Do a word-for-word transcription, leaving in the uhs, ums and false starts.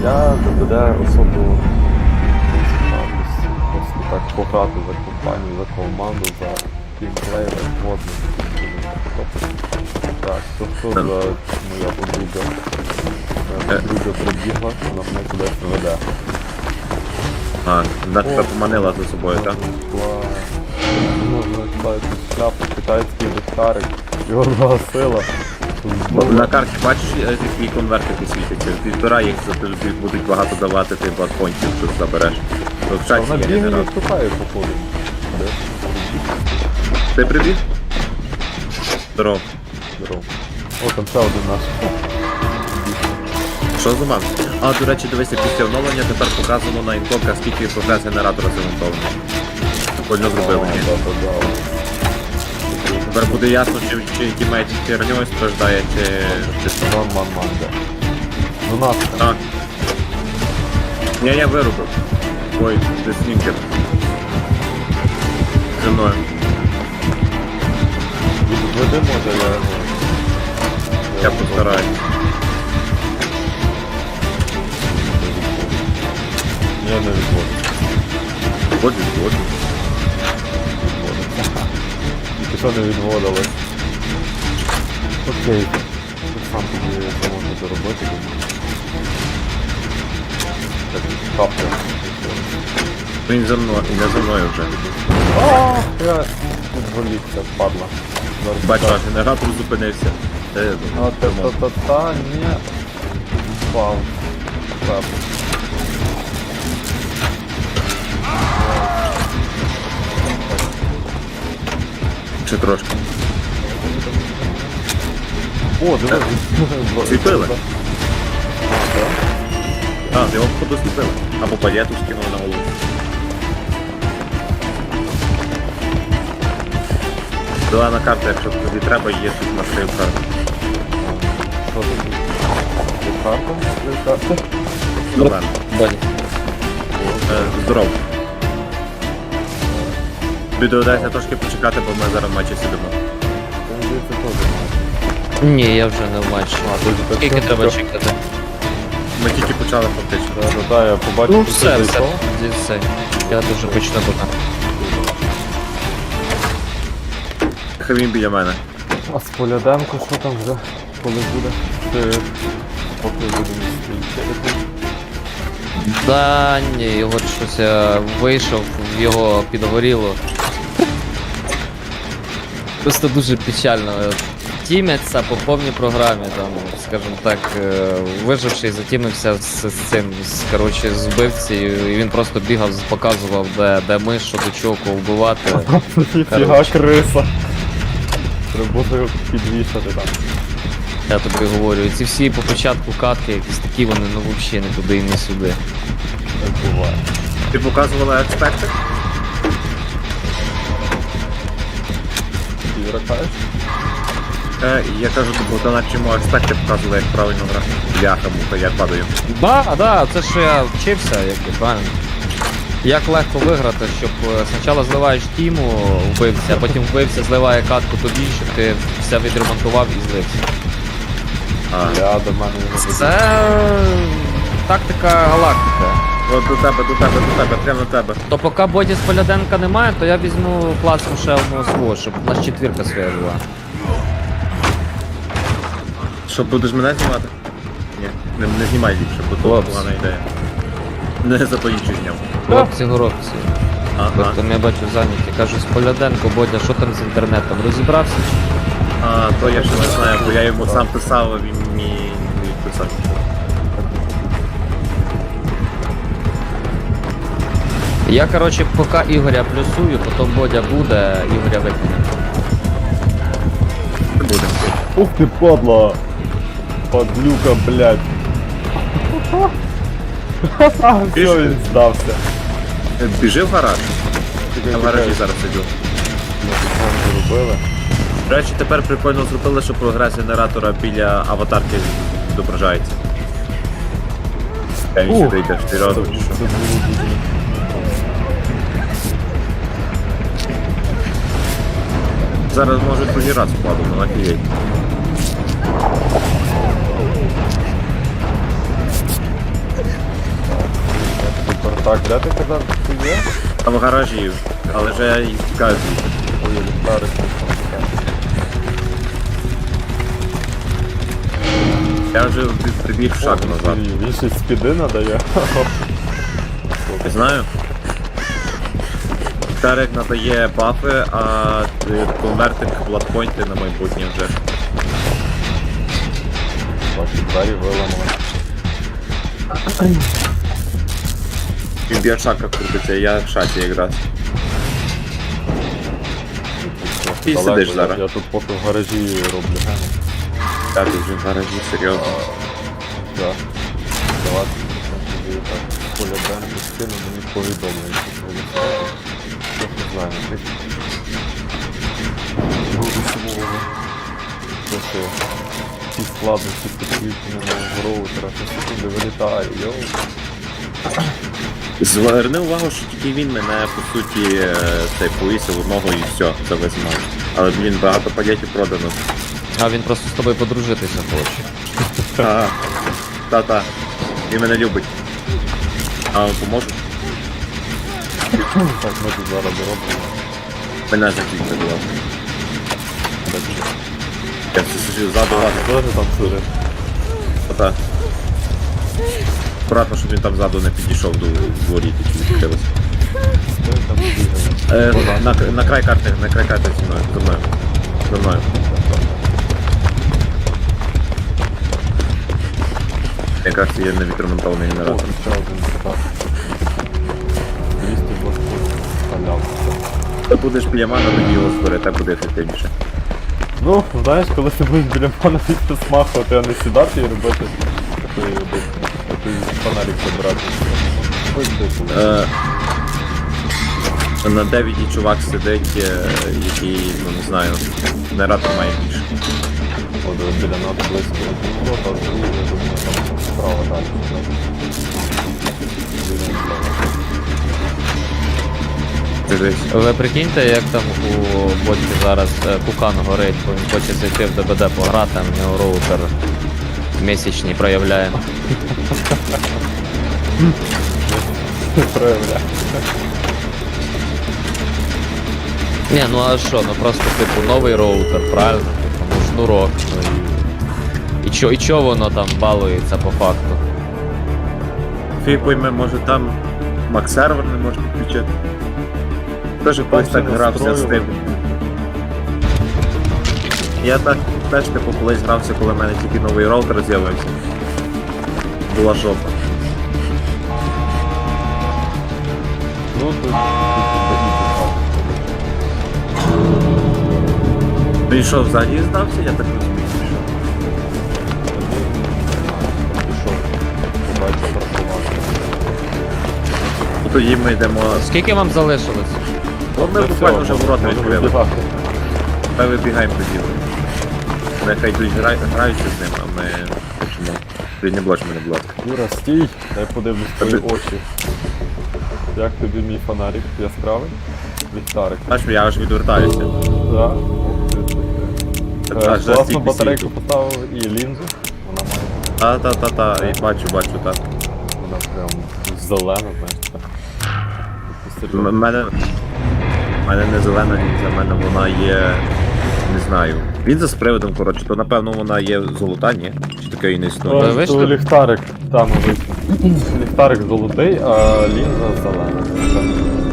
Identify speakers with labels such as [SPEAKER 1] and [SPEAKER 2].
[SPEAKER 1] Я ДБД особо просто так пограти за компанію, за команду, за тімплей, водно. Так, то що за моя подруга? Моя подруга прибігла, вона мене кудись веде.
[SPEAKER 2] А, вона тебе поманила за собою, так?
[SPEAKER 1] Можна ставити шляпу, китайський ліхтарик, його загасила.
[SPEAKER 2] На карті бачиш, які конвертики світяться? Підбирай їх, тобі будуть багато давати ти бладпонтів, що забереш. То в чаті
[SPEAKER 1] Вона
[SPEAKER 2] є
[SPEAKER 1] бігає і
[SPEAKER 2] генератор.
[SPEAKER 1] вступає, походу. Де?
[SPEAKER 2] Ти прибіг? Здорово.
[SPEAKER 1] Здорово. О, там ще один наш.
[SPEAKER 2] Що за ман? А, до речі, дивися, після оновлення тепер показано на інкомках, скільки прогрес генератора замонтовано. Прикольно зробили, ні?
[SPEAKER 1] Да, да, да.
[SPEAKER 2] Тепер буде ясно, чи, чи тімейт херньою страждає, чи... чи...
[SPEAKER 1] Ман, ман, ман, да. Ну нас там.
[SPEAKER 2] А. Ні, я вирубив. Ой, це снінкер. Зі мною.
[SPEAKER 1] Відведи, може, я його.
[SPEAKER 2] Я постараюсь.
[SPEAKER 1] Я не відводжу.
[SPEAKER 2] Воджу, воджу.
[SPEAKER 1] Тільки що не відводилось. Окей. Тут сам тобі це можна заробити. Так, капля.
[SPEAKER 2] Він за мною, не за мною вже.
[SPEAKER 1] Ааа, я відволікся, падла. Зараз
[SPEAKER 2] Бачу,
[SPEAKER 1] так.
[SPEAKER 2] аж генератор зупинився. Е,
[SPEAKER 1] А та-та-та-та, ні. Впав. Так.
[SPEAKER 2] Чи трошки.
[SPEAKER 1] О, дивись.
[SPEAKER 2] Світили?
[SPEAKER 1] А, так?
[SPEAKER 2] А, його походу сліпили. Або палету скинули на голову. Зелена карта, якщо тобі треба, є тут маршрут карта.
[SPEAKER 1] Що тут? Є карта? Є карта?
[SPEAKER 2] Зелена.
[SPEAKER 3] Бані.
[SPEAKER 2] Е, Здорово. Тобі доведеться трошки почекати, бо ми зараз в матчі сидимо.
[SPEAKER 1] Мені здається, теж має.
[SPEAKER 3] Ні, я вже не в матчі.
[SPEAKER 1] А, тут так
[SPEAKER 3] Скільки
[SPEAKER 1] що-
[SPEAKER 3] треба чекати?
[SPEAKER 2] Ми тільки почали фактично.
[SPEAKER 1] Да, да, да, я побачив,
[SPEAKER 3] Ну
[SPEAKER 1] що
[SPEAKER 3] все,
[SPEAKER 1] ти
[SPEAKER 3] все,
[SPEAKER 1] зайшов.
[SPEAKER 3] тоді все. Я дуже почну тут.
[SPEAKER 2] Хай він біля мене.
[SPEAKER 1] А з Поляденко що там вже? Коли буде? Ти поки будемо стрільчити.
[SPEAKER 3] Да, ні, його щось я вийшов, в його підгоріло. Просто дуже печально. Тімяться по повній програмі, там, скажімо так, е, виживши, затімився з, з цим, з, коротше, з вбивцею, і він просто бігав, показував, де, де ми, що до чого, кого вбивати.
[SPEAKER 1] Ніфіга криса. Треба буде його підвішати там.
[SPEAKER 3] Я тобі говорю, і ці всі по початку катки, якісь такі вони, ну взагалі не туди і не сюди.
[SPEAKER 1] Так буває.
[SPEAKER 2] Ти показувала експекти?
[SPEAKER 1] Ти вракаєш?
[SPEAKER 2] Е, я кажу, бо то на чому експекти показували, як правильно грати. Бляха, муха, я падаю.
[SPEAKER 3] Да, да, це що я вчився, як і правильно. Як легко виграти, щоб е, спочатку зливаєш тіму, вбився, а потім вбився, зливає катку тобі, щоб ти все відремонтував і злився.
[SPEAKER 2] А,
[SPEAKER 1] Я до мене його веду.
[SPEAKER 3] Це тактика галактика.
[SPEAKER 2] от до тебе, до тебе, до тебе, прямо до тебе.
[SPEAKER 3] То поки боді з Поляденка немає, то я візьму класну ще одного свого, щоб у нас четвірка своя була.
[SPEAKER 2] Що, будеш мене знімати? Ні, не, не знімай ліпше, бо то
[SPEAKER 3] Хлопці.
[SPEAKER 2] погана ідея. Не за то інших зняв.
[SPEAKER 3] Хлопці, горобці.
[SPEAKER 2] Ага.
[SPEAKER 3] Тобто я бачу зайняті. Кажу, з Поляденко, Бодя, що там з інтернетом? Розібрався?
[SPEAKER 2] А, то я ще не знаю, бо я йому сам писав, а він мені не відписав.
[SPEAKER 3] Я, короче, поки Ігоря плюсую, потім Бодя буде, Ігоря викине.
[SPEAKER 2] Не буде.
[SPEAKER 1] Ух ти, падла! Падлюка, блядь. Все, він здався.
[SPEAKER 2] Е, Біжи в гараж. Я в гаражі зараз сиджу.
[SPEAKER 1] Зробили.
[SPEAKER 2] До речі, тепер прикольно зробили, що прогрес генератора біля аватарки відображається. Я він
[SPEAKER 1] Ух.
[SPEAKER 2] сюди йдеш, ти разом чи що?
[SPEAKER 1] Це було дуже.
[SPEAKER 2] Зараз може другий раз впаду, ну офігеть.
[SPEAKER 1] Так, де ти казав, що ти є?
[SPEAKER 2] Там в гаражі, але вже я і тікаю звідси.
[SPEAKER 1] Ой, ліхтарик.
[SPEAKER 2] Я вже прибіг в шаг назад.
[SPEAKER 1] Він ще спіди надає.
[SPEAKER 2] Не знаю. Тарик надає бафи, а е, конвертик бладпойнти на майбутнє вже.
[SPEAKER 1] Ваші двері виламали.
[SPEAKER 2] Він б'є шака крутиться, я в шаті якраз. Ти
[SPEAKER 1] Далеко,
[SPEAKER 2] сидиш
[SPEAKER 1] я-
[SPEAKER 2] зараз.
[SPEAKER 1] Я тут поки в гаражі роблю гени.
[SPEAKER 2] Так, ти вже в гаражі, серйозно.
[SPEAKER 1] Так. Давати тобі так. Поля Бренки скину, мені повідомлення. що ви знаєте. Я не знаю, не ти. Буду сумового. Просто ті складності підключення нового роутера, що секунди вилітає, йоу.
[SPEAKER 2] Зверни увагу, що тільки він мене, по суті, е, цей повісив одного і все, це весь матч. Але, блін, багато пакетів продано.
[SPEAKER 3] А він просто з тобою подружитися хоче.
[SPEAKER 2] Ага. Та-та. Він мене любить. А поможу?
[SPEAKER 1] Так, ми тут зараз робимо.
[SPEAKER 2] Мене закінчили, будь ласка. Я все сижу ззаду вас.
[SPEAKER 1] Тоже там сидить.
[SPEAKER 2] Та-та. Аккуратно, щоб він там ззаду не підійшов до воріт, які відкрилися.
[SPEAKER 1] Хто там бігає?
[SPEAKER 2] Е, на, на край карти, на край карти зі мною, за мною. За мною. Якраз є невідремонтований
[SPEAKER 1] О,
[SPEAKER 2] генератор.
[SPEAKER 1] ще один так. двісті двадцять халяв.
[SPEAKER 2] Ти будеш біля мене, тоді його збери, так буде ефективніше.
[SPEAKER 1] Ну, знаєш, коли ти будеш біля мене тільки смахувати, а не сідати і робити такий такий фонарик забирати. Ось де коли.
[SPEAKER 2] Е, на дев'яті чувак сидить, е, який, ну не знаю, генератор має більше.
[SPEAKER 1] От біля нас близько. Ну, а другий, я думаю, там справа далі. Біля нас.
[SPEAKER 2] Дивись.
[SPEAKER 3] Ви прикиньте, як там у боті зараз е, кукан горить, бо він хоче зайти в ДБД пограти, а в нього роутер місячний проявляє.
[SPEAKER 1] Проявляє.
[SPEAKER 3] Ні, ну а що, ну просто типу новий роутер, правильно? Типу, ну шнурок, ну і. І чо, і чо воно там балується по факту?
[SPEAKER 2] Фій пойме, може там Макс-сервер не може підключити. Теж колись так грався з тим. Я так теж типу колись грався, коли в мене тільки новий роутер з'явився. Була жопа.
[SPEAKER 1] Ну, тут тут
[SPEAKER 2] Він що, взагалі здався, я так розумію.
[SPEAKER 1] пішов. Побачив працювати.
[SPEAKER 2] Ну, тоді ми йдемо.
[SPEAKER 3] Скільки вам залишилось?
[SPEAKER 2] Ну, ми буквально вже ворота відкрили. Ми вибігаємо тоді. Нехай йдуть гра... граються з ним, а ми хочемо. Ти не блоч мене, будь ласка.
[SPEAKER 1] Юра, стій, дай подивлюсь твої
[SPEAKER 2] Тобі-
[SPEAKER 1] очі. Як тобі мій фонарик яскравий? Ліхтарик.
[SPEAKER 2] Аж я аж відвертаюся.
[SPEAKER 1] Так.
[SPEAKER 2] Так,
[SPEAKER 1] Е,
[SPEAKER 2] аж за
[SPEAKER 1] Класну
[SPEAKER 2] стільки
[SPEAKER 1] батарейку
[SPEAKER 2] світу.
[SPEAKER 1] поставив і лінзу. Вона має.
[SPEAKER 2] Та-та-та-та, і бачу, бачу, так.
[SPEAKER 1] Вона прям зелена, знаєш. Так. Таку
[SPEAKER 2] М-
[SPEAKER 1] серйозну.
[SPEAKER 2] мене. У мене не зелена лінза, в мене вона є. Не знаю. Лінза з приводом, коротше, то напевно вона є золота, ні? Чи таке і не існує?
[SPEAKER 3] Ви
[SPEAKER 1] Ось
[SPEAKER 3] вийшли?
[SPEAKER 1] то ліхтарик, там вийшов. Ліхтарик золотий, а лінза зелена.